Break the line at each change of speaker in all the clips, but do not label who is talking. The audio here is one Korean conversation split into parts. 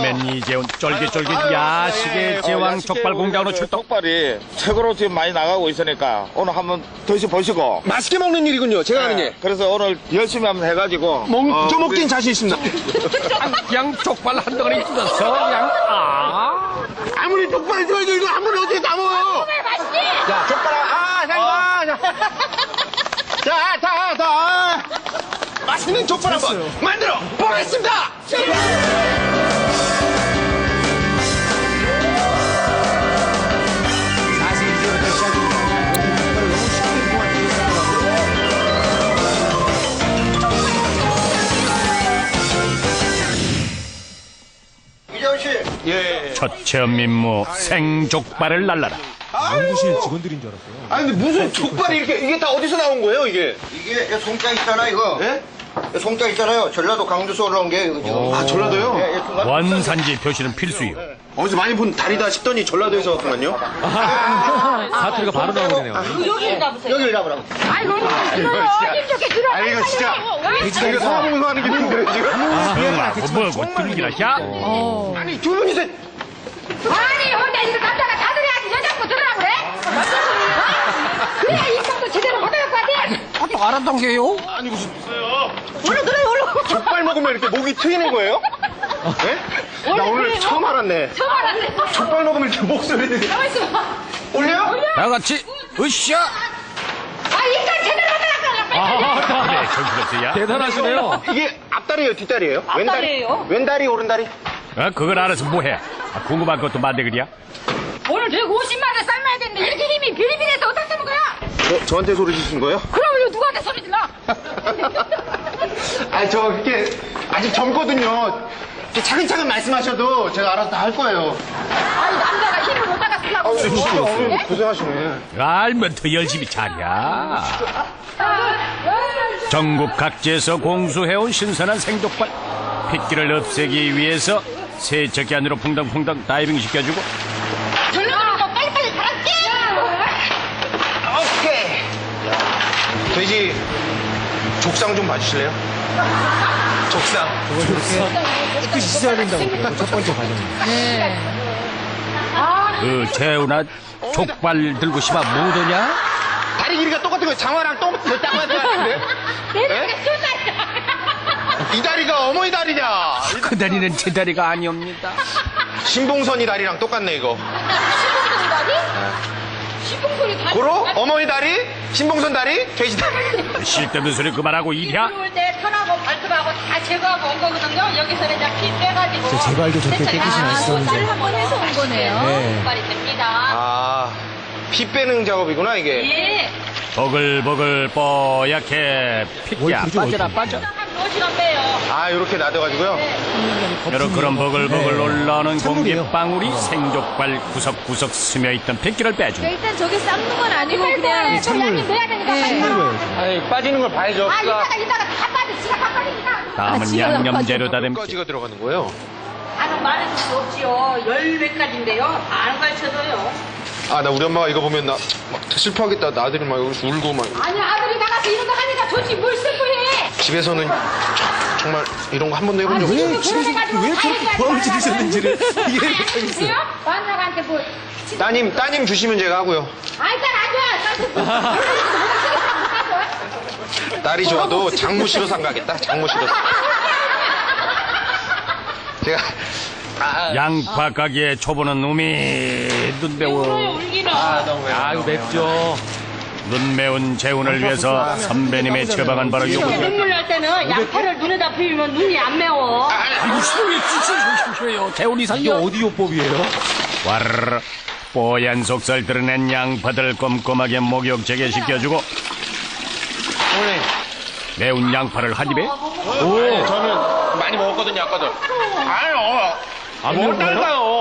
처음엔 이재훈 쫄깃쫄깃 야식의 제왕 족발 공장으로 출동.
족발이 최고로 지금 많이 나가고 있으니까 오늘 한번 드셔보시고.
맛있게 먹는 일이군요. 제가 하는 일.
그래서 오늘 열심히 한번 해가지고.
저 먹기엔 자신 있습니다.
그냥 족발 한 덩어리 뜯어서 그냥
아무리 족발이 좋아도 이거 한 번에 어떻게 다 먹어요? 자, 족발 자. 맛있는 족발 한번 만들어 보겠습니다.
사실 이제부터 시작입니다. 족발을 너무 쉽게 구하는
이재훈 씨. 예.
첫 체험 임무 생족발을 날라라.
연구실 직원들인 줄 알았어요.
아니 근데 무슨 족발이 이게 다 어디서 나온 거예요 이게?
이게 송장 있잖아 이거.
예?
송장 있잖아요. 전라도 강주에서 올라온 게 이거 지금.
아 전라도요?
예, 예, 중간-
원산지 표시는 필수요.
어디서 많이 본 다리다 싶더니 전라도에서 왔구만요.
사투리가 바로 나오네요.
여기를 잡으세요.
여기를 잡으라고.
아이고, 힘좋게 들어.
아 이거 진짜 이거 성화봉에서 하는 게 힘들어요 지금.
뭐고 들기나 야?
아니 두 분이서
아니, 혼자 있는 남자가 다 들어야지 여자고 들으라고 그래? 그래야 입장도 제대로 못할 것 같아.
아니 무슨
얼른 들어요, 얼른.
족발 먹으면 이렇게 목이 트이는 거예요? 예? 나 오늘
그래요?
처음 알았네.
처음 알았네.
족발 먹으면 이렇게 목소리를
가만있어 봐.
올려?
다 같이 으쌰.
아, 입장 제대로 못하라고.
아, 그래 정신없어야.
대단하시네요.
이게 앞다리예요, 뒷다리예요?
앞다리예요.
왼다리, 오른다리?
그걸 알아서 뭐해? 궁금한 것도 만들기야.
오늘 저기 50마리 삶아야 되는데 이렇게 힘이 비리비리해서 어떻게 쓰는 거야?
저한테 소리 지신 거예요?
그럼 이거 누구한테 소리 질러?
아니, 저 이렇게 아직 젊거든요. 이렇게 차근차근 말씀하셔도 제가 알아서 다 할 거예요.
아니, 남자가 힘을 못하가 쓰려고.
진짜 고생하시네.
알면 더 열심히 잘야. 전국 각지에서 공수해온 신선한 생족발. 핏기를 없애기 위해서 세척기 안으로 퐁당퐁당 다이빙 시켜주고
절로들고 빨리빨리 갈게.
오케이. 돼지 족상 좀 봐주실래요? 족상.
깨끗이 씻어야 된다고 첫 번째 과정입니다.
그 재훈아 족발 들고 싶어 못 오냐?
다리 길이가 똑같은 거예요. 장화랑 똑같은 같은데?
내가 쏜다.
이 다리가 어머니 다리냐?
그 다리는 제 다리가 아니옵니다.
신봉선이 다리랑 똑같네, 이거.
시봉소리 다리? 시봉소리 다리?
고로? 어머니 다리? 신봉선 다리? 돼지 다리?
쓸데없는 소리 그만하고 일이야.
들어올 때 털하고 발톱하고 다 제거하고 온 거거든요. 여기서는 이제 피 빼가지고.
제 제발도 저렇게 깨끗이 맛있었는데.
한번 해서 온 거네요.
네.
발이 됩니다.
아, 피 빼는 작업이구나, 이게.
예.
버글버글 뽀얗게 핏기야
그죠,
빠져라
어디.
빠져.
한 4시간 빼요.
아, 이렇게 놔둬가지고요.
여러 그런 버글버글 올라오는
찬물이에요.
공기방울이 생족발 구석구석 스며있던 핏기를 빼준다.
일단 저게 삶는 건 아니고 그냥
찬물.
양이 넣어야 되니까.
씻는 거예요.
아니, 빠지는 걸 봐야죠.
아, 이따가 다 빠져. 지가 다 빠지니까.
다음은 양념 재료 다듬기.
까지가 들어가는 거예요.
다는 많은 수 없지요. 10몇 가지인데요. 다 안 가르쳐줘요.
아, 나 우리 엄마가 이거 보면 나 막 슬퍼하겠다. 나 아들이 막 여기서 울고 막.
아니, 아들이 나가서 이런 거 하니까 좋지. 뭘 슬퍼해.
집에서는 정말 이런 거 한 번도 해본 적 없어요.
왜 집에서 왜 저렇게 부함을 지르셨는지를 이해를 못하겠어요.
완자한테 뭐.
따님 주시면 제가 하고요.
아, 일단 안 줘.
딸이 좋아도 장무 싫어서 안 가겠다. 장무 싫어서. 제가
양파 가게에 초보는 놈이 눈 매워.
울기는.
아 이거 맵죠.
눈 매운 재훈을 위해서 선배님의 처방한 바로 요거.
눈물 날 때는 양파를 눈에다 비비면 눈이 안 매워.
아이고 싫어요. 재훈이
이게
살려.
어디 요법이에요?
와르르 뽀얀 속살 드러낸 양파들 꼼꼼하게 목욕 제거시켜주고
어머니,
매운 양파를 한 입에
저는 많이 먹었거든요, 아까도. 아유,
안 매운가요?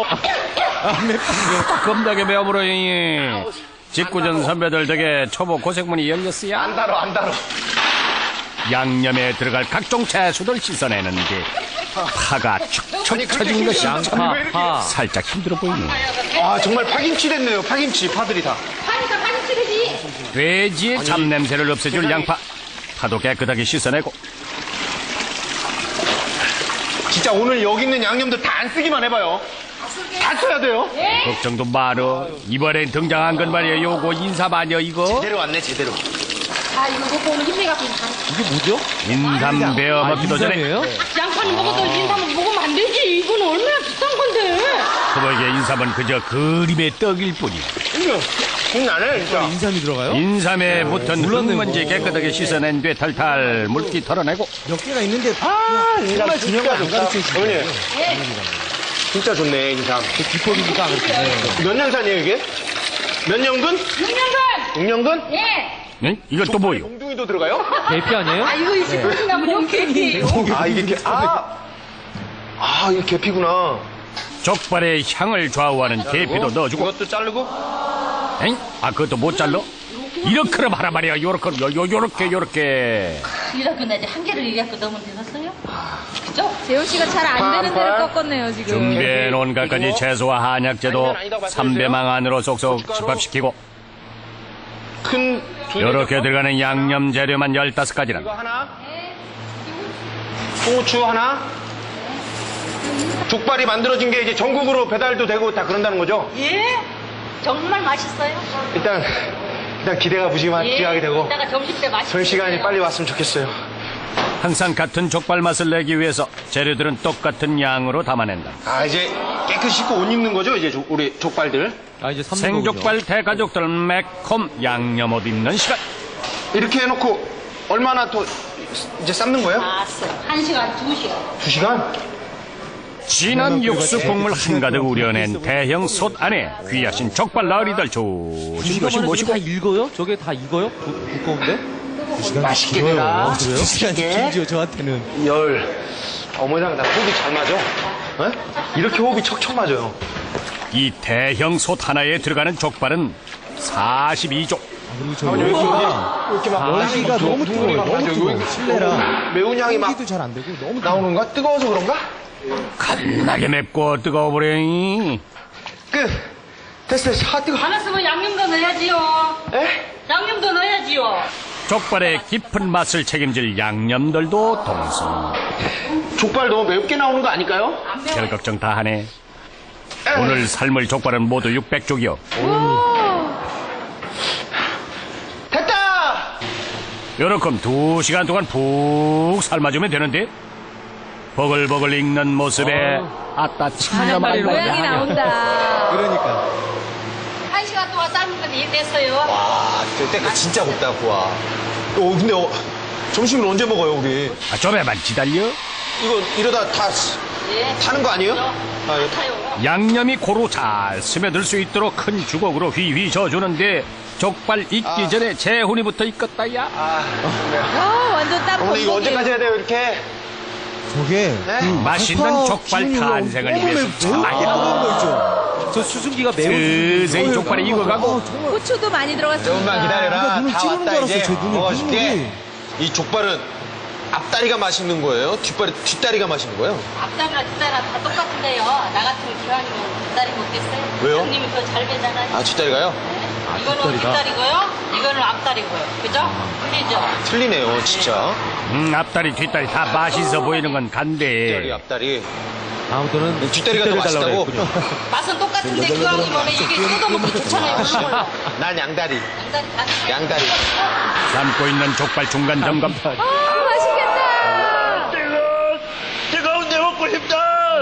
겁나게 매움으로 직구전 선배들 덕에 초보 고생문이 열렸어요.
안 달어.
양념에 들어갈 각종 채소들 씻어내는데 파가 축축 처진 것이
양파, 파.
살짝 힘들어 보이네.
아, 정말 파김치 됐네요, 파김치, 파들이 다.
하니까 많이 찌르지.
돼지의 잡냄새를 없애줄 양파 파도 깨끗하게 씻어내고
진짜 오늘 여기 있는 양념들 다 안 쓰기만 해봐요. 다 써야 돼요.
걱정도 말어. 이번엔 등장한 건 말이야. 요거 인삼 아니야 이거?
제대로 왔네, 제대로.
아, 이거 먹고 오늘 힘내갖고
이게 뭐죠?
인삼 베어 먹기도 전에
인삼이에요?
양파는 먹어도 인삼은 먹으면 안 되지. 이건 얼마나 비싼 건데.
그보기에 인삼은 그저 그림의 떡일 뿐이야.
나네, 진짜.
인삼이 들어가요?
인삼에 붙은
몰랐네,
흙먼지
이거.
깨끗하게 씻어낸 뒤 탈탈 물기 털어내고
몇 개가 있는데 정말 중요한 걸 안 가르쳐 주시네요.
어머니. 진짜 좋네, 인삼.
그 기법이니까 안 가르쳐.
몇 년산이에요, 이게? 몇 년근?
6년간.
6년근?
예.
응? 이건 또 뭐요?
몽둥이도 들어가요?
대피 아니에요?
아, 이거 이제 무슨나무 용케이크.
아, 이게, 이게 계피구나.
족발의 향을 좌우하는 계피도 넣어주고
이것도 자르고?
엥? 아 그것도 못 잘라? 이렇게나 하란 말이야. 요렇게
이라고 나 이제 한 개를 얘기하고 넣으면 되겠어요? 그죠?
재호 씨가 잘 안 되는 대로 꺾었네요, 지금.
준비해놓은 갖가지 채소와 한약재도
아니다, 맞춰주세요.
삼배망 안으로 쏙쏙 집합시키고
큰, 두 개.
이렇게 들어가는 양념 재료만 15가지는
이거 하나? 홍후추 하나? 족발이 만들어진 게 이제 전국으로 배달도 되고 다 그런다는 거죠?
예. 정말 맛있어요.
일단 기대가 무지하게 되고
이따가 점심 때 맛있어요.
전 시간이 빨리 왔으면 좋겠어요.
항상 같은 족발 맛을 내기 위해서 재료들은 똑같은 양으로 담아낸다.
아, 이제 깨끗이 씻고 옷 입는 거죠? 이제 우리 족발들.
아, 이제 삶는 거군요.
생족발 대가족들은 매콤 양념 옷 입는 시간.
이렇게 해놓고 얼마나 더 이제 삶는 거예요?
알았어. 1시간, 2시간.
2시간?
진한 육수 국물 한가득 우려낸 대형 솥 안에 귀하신 족발 나으리들 조심조심 모시고
다 익어요? 저게 다 익어요? 두꺼운데?
맛있게 되라.
그래요? 2시간이 길죠, 저한테는.
어머니랑 나 호흡이 잘 맞아? 어? 이렇게 호흡이 척척 맞아요.
이 대형 솥 하나에 들어가는 족발은 42족.
그리고 저
이렇게 막
열기가 너무 뜨거워요. 너무
맞아.
뜨거워.
여기
실내라.
매운 향이 막
기도 잘 안 되고 너무
나오는 거야? 뜨거워서 그런가?
겁나게 맵고 뜨거워버려잉.
됐어. 뜨거.
안 왔으면 양념도 넣어야지요.
에?
양념도 넣어야지요.
족발의 깊은 맛을 책임질 양념들도 동성.
족발 너무 맵게 나오는 거 아닐까요?
별 걱정 다 하네. 오늘 삶을 족발은 모두 600족이요.
됐다!
요렇게 2시간 동안 푹 삶아주면 되는데 버글버글 익는 모습에 아따 참나
모양이
말이야.
나온다.
그러니까.
1시간 동안 삶은 건 이해됐어요.
와, 때가 진짜 곱다, 구와. 근데 점심을 언제 먹어요, 우리?
아, 좀만 기다려.
이거 이러다 다
예.
타는 거 아니에요?
타요.
양념이 고루 잘 스며들 수 있도록 큰 주걱으로 휘휘 져주는데 족발 익기 전에 재훈이부터 익었다야.
완전 딱
어머니 이거
건더기예요.
언제까지 해야 돼요, 이렇게?
저게
네?
맛있는 족발 탄생을 위해서
매우 뜨거운 거 있죠. 저 수증기가 매우
서서히 족발이 익어가고
고추도 많이 들어갔습니다.
조금만 기다려라.
눈을
다
찌르는
왔다
줄
이제.
알았어요, 제 눈이.
먹어줄게.
이 족발은 앞다리가 맛있는 거예요? 뒷다리가 맛있는 거예요?
앞다리랑 뒷다리랑 다 똑같은데요. 나 같으면 기왕이면 뒷다리 먹겠어요.
왜요?
형님이 그거 잘 배잖아요.
아, 뒷다리가요?
이거는
뒷다리가?
뒷다리고요. 이거는 앞다리고요. 그죠? 틀리죠?
틀리네요, 진짜.
앞다리 뒷다리 다 맛있어 보이는 건
뒷다리,
간데
앞다리.
아무튼
뒷다리가 더 맛있다고?
맛은 똑같은데 기왕이면 이게 뜯어먹고 좋잖아요.
난 양다리.
양다리 다
양다리.
삶고 있는 족발 중간 점검.
맛있겠다.
뜨거운데 먹고 싶다!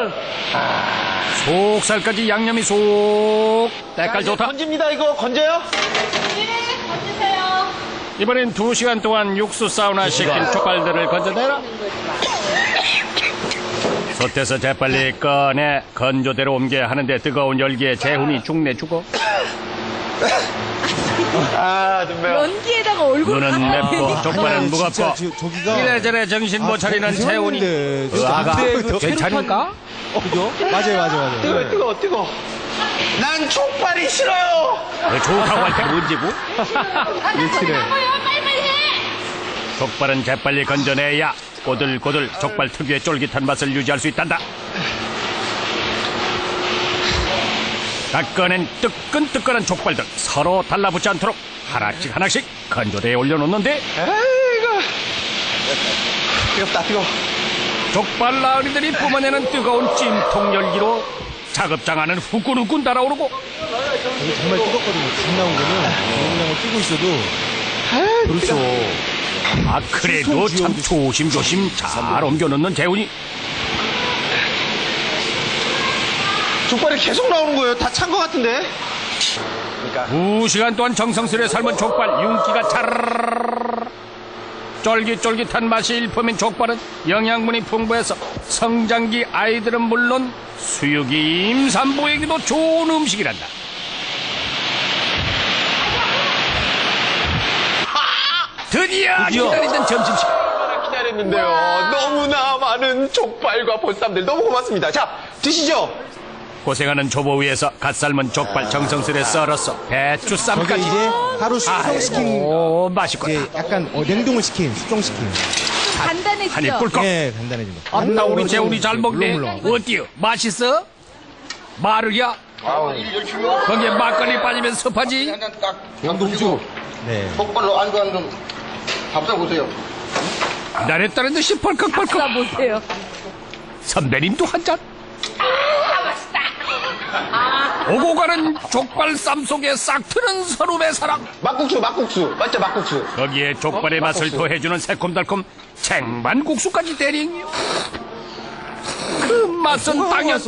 속살까지 양념이 쏙 때깔 좋다.
건집니다, 이거. 건져요?
네, 건지세요.
이번엔 2시간 동안 육수 사우나 시킨 족발들을 건져내라. 솥에서 재빨리 꺼내 건조대로 옮겨야 하는데 뜨거운 열기에 재훈이 죽네 죽어.
아, 눈 매워.
연기에다가 얼굴
눈은 맵고 족발은 무겁고
저기가
이래저래 정신 못 차리는 재훈이. 의아가 괜찮을까?
그죠? 맞아요.
뜨거워. 난 족발이 싫어요!
좋다고 할 때 언제고?
뭐요? 빨리빨리 해.
족발은 재빨리 건져내야 꼬들꼬들 족발 특유의 쫄깃한 맛을 유지할 수 있단다. 닦아낸 뜨끈뜨끈한 족발들 서로 달라붙지 않도록 하나씩 건조대에 올려놓는데
뜨겁다, 뜨거워.
족발 나으리들이 뿜어내는 뜨거운 찜통 열기로 작업장안은 후끈후끈 달아오르고
이게 정말 뜨겁거든요. 지금 나온 거는 그냥 뛰고 있어도. 그렇죠.
아 그래도 참 조심조심 잘 옮겨놓는 재훈이.
족발이 계속 나오는 거예요. 다 찬 거 같은데.
2시간 동안 정성스레 삶은 족발 윤기가 차르르르 쫄깃쫄깃한 맛이 일품인 족발은 영양분이 풍부해서 성장기 아이들은 물론 수육이 임산부에게도 좋은 음식이란다. 드디어 기다리던 점심시간.
기다렸는데요. 너무나 많은 족발과 보쌈들 너무 고맙습니다. 자, 드시죠.
고생하는 조보 위에서 갓 삶은 족발 정성스레 썰어서 배추
저게
쌈까지.
이제 하루 숙성시킨,
오 맛있겠다.
이제 약간 냉동을 시킨, 숙성시킨.
한입
간단해지죠?
꿀꺽.
예, 간단해집니다.
아따 우리 재훈이 잘 먹네.
물렁물렁.
어때요? 맛있어? 마르야? 거기에 막걸리 빠지면 습하지?
한잔 딱 양동주
네.
족발로 안주 한좀 밥사 보세요.
나랬다는 듯이 펄컥펄컥.
자, 보세요.
선배님도 한 잔. 오고 가는 족발 쌈 속에 싹 트는 서름의 사랑.
막국수. 맞죠, 막국수.
거기에 족발의 맛을 더해주는 새콤달콤 쟁반국수까지 대링. 그 맛은 당연.
와서.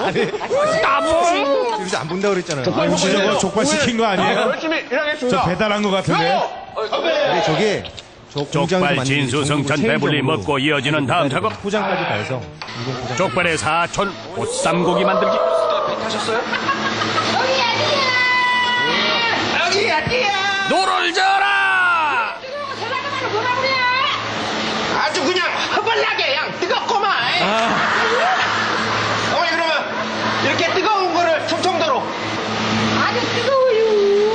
따봉.
여기서 안 본다고 그랬잖아요. 아, 혹시 저거 족발 시킨 거 아니에요?
열심히 일하겠습니다.
저 배달한 거 같은데? 근데 저게 저 공장에서
족발
만든
진수성찬
전부
배불리
체인점으로
먹고 이어지는 다음 작업.
포장까지 다 해서 이동 포장.
족발의 사촌 보쌈고기 만들기. 노를 져라.
아주 그냥 허벌나게 그냥 뜨겁고만. 어머니 그러면 이렇게 뜨거운 거를 충청도로.
아주 뜨거워요.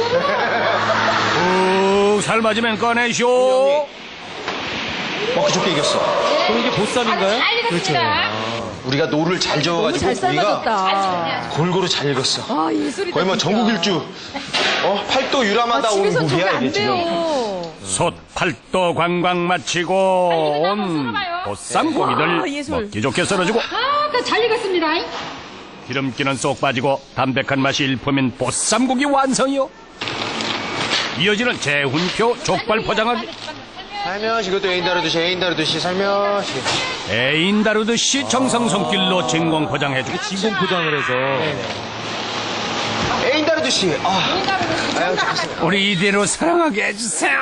푹 삶아지면 꺼내쇼.
먹기 좋게 이겼어.
그럼 이게 보쌈인가요?
잘 익었습니다.
우리가 노를 잘
너무
저어가지고
잘
고기가
삶아졌다.
골고루 잘 익었어.
아, 예술이다.
거의 뭐
진짜.
전국 일주. 팔도 유람하다 온
집에서 저게
고기야
안
이게 지금.
돼요.
솥 팔도 관광 마치고 온 보쌈고기들
와, 예술.
먹기 좋게 썰어주고
아, 잘 익었습니다.
기름기는 쏙 빠지고 담백한 맛이 일품인 보쌈고기 완성이요. 이어지는 재훈표 족발 포장하기.
살며시 이것도 애인 다루듯이 살며시.
애인 다루듯이 정성 손길로 진공 포장해주고
진공 포장을 해서.
애인 다루듯이. 아유,
우리 이대로 사랑하게 해주세요.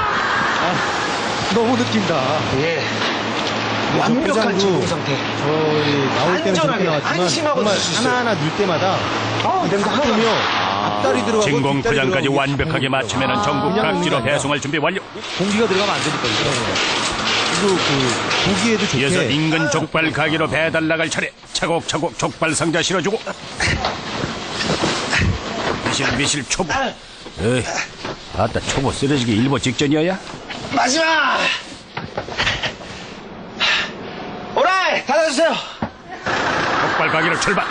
너무 느낀다.
예. 완벽한
포장도
진공 상태.
저희 나올 때는 저렇게
안전하게,
나왔지만
안심하고
정말
드실 수 있어요.
하나하나 넣을 때마다 냄새 하면요 앞다리 들어가고
진공
뒷다리
포장까지
들어가고
완벽하게 마치면 전국
그냥
각지로
먹는 게 아니라
배송할 준비 완료.
공기가 들어가면 안 되니까 그리고 그 고기에도 좋게
이어서 인근 족발 가게로 배달 나갈 차례. 차곡차곡 족발 상자 실어주고 미실미실 초보. 에이, 아따 초보 쓰러지기 일보 직전이어야.
마지막! 오라이! 닫아주세요!
족발 가게로 출발.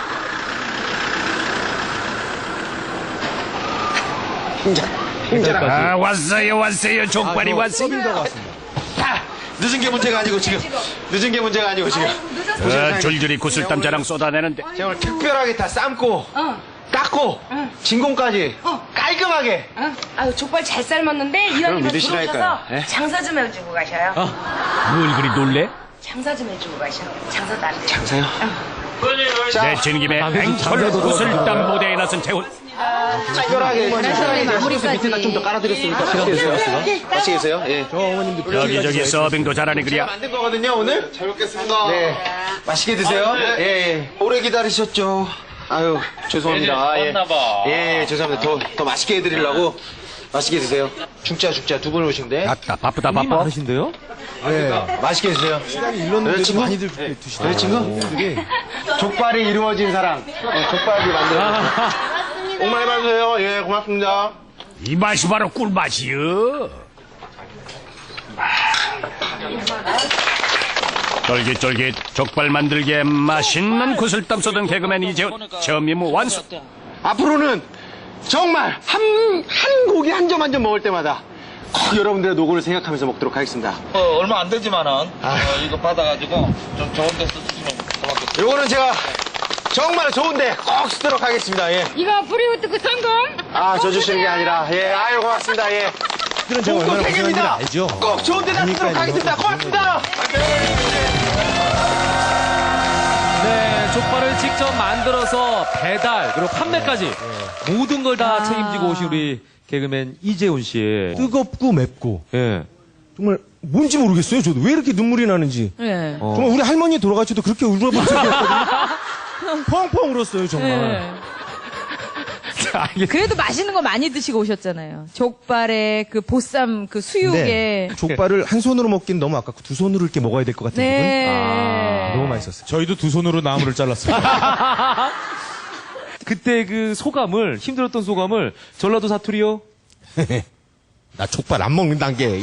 아 왔어요 족발이 왔어요.
늦은 게 문제가 아니고 지금.
줄줄이 구슬땀 자랑 쏟아내는데
제가 오늘 특별하게 다 삶고, 깎고, 진공까지 깔끔하게.
아유 족발 잘 삶았는데 이왕이면
믿으시라니까요.
들어오셔서
예?
장사 좀 해주고 가셔요.
뭘 그리 놀래?
장사 좀 해주고 가셔. 장사도 안 돼요.
장사요?
내친 김에 앵콜 구슬땀 무대에 나선 재훈.
특별하게.
마무리까지.
밑에다 좀 더 깔아드렸으니까. 같이 계세요? 예.
저 어머님도
여기저기 서빙도 잘하네 그랴.
만든 거거든요, 오늘? 잘 먹겠습니다. 네. 맛있게 드세요. 예. 오래 기다리셨죠? 아유, 죄송합니다. 예, 죄송합니다. 더 맛있게 해드리려고. 맛있게 드세요. 죽자. 두 분 오신데.
아따 바쁘다
힘이
바빠.
많으신데요?
네. 맛있게 드세요.
시간이 일렀는데도
여자친구?
많이들 드시더라고요.
여자친구?
그게
족발이 이루어진 사랑. 족발이 만들어진 복 많이 받으세요. 예, 고맙습니다.
이 맛이 바로 꿀맛이여. 쫄깃쫄깃 족발 만들기에 맛있는 구슬땀 쏟은 개그맨 이재훈 처음 임무 완수.
앞으로는 정말 한 고기 한 점 한 점 먹을 때마다 꼭 여러분들의 노고를 생각하면서 먹도록 하겠습니다.
얼마 안 되지만은 이거 받아가지고 좀 좋은 데 쓰시면 고맙겠습니다.
요거는 제가 정말 좋은데 꼭 쓰도록 하겠습니다. 예.
이거 브리우드 성공.
아, 저 주시는 게 아니라, 예, 아유, 고맙습니다. 예.
그런 제가 얼마나 고생했는지
책임입니다.
알죠?
꼭 좋은 데다 쓰도록
그러니까요.
하겠습니다. 고맙습니다.
네, 족발을 직접 만들어서 배달 그리고 판매까지 모든 걸 다 책임지고 오신 우리 개그맨 이재훈 씨.
뜨겁고 맵고
예.
정말 뭔지 모르겠어요. 저도 왜 이렇게 눈물이 나는지.
예.
정말 우리 할머니 돌아가셔도 그렇게 울어본 적이 없거든요. 펑펑 울었어요 정말.
예. 그래도 맛있는 거 많이 드시고 오셨잖아요. 족발에 그 보쌈 그 수육에.
네. 족발을 한 손으로 먹긴 너무 아깝고 두 손으로 이렇게 먹어야 될 것 같은
네.
기분. 너무 맛있었어요. 저희도 두 손으로 나무를 잘랐습니다.
그때 그 소감을 힘들었던 소감을 전라도 사투리요.
나 족발 안 먹는단 게.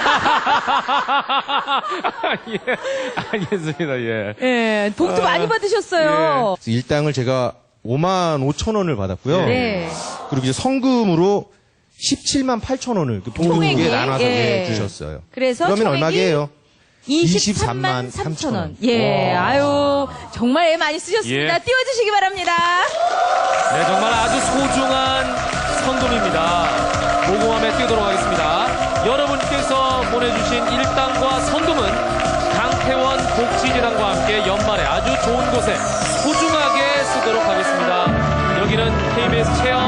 예, 알겠습니다. 예.
예. 복도 많이 받으셨어요.
일당을 제가 55,000원을 받았고요.
네.
그리고 이제 성금으로 178,000원을 그
총액이?
동료에게 나눠서
예.
주셨어요.
그래서
그러면
총액이
얼마게요?
23만 3천원. 예. 아유, 정말 애 많이 쓰셨습니다.
예.
띄워주시기 바랍니다.
네, 정말 아주 소중한 선금입니다. 모금함에 띄우도록 하겠습니다. 여러분께서 보내주신 일당과 선금은 강태원 복지재단과 함께 연말에 아주 좋은 곳에 소중하게 쓰도록 하겠습니다. 여기는 KBS 체험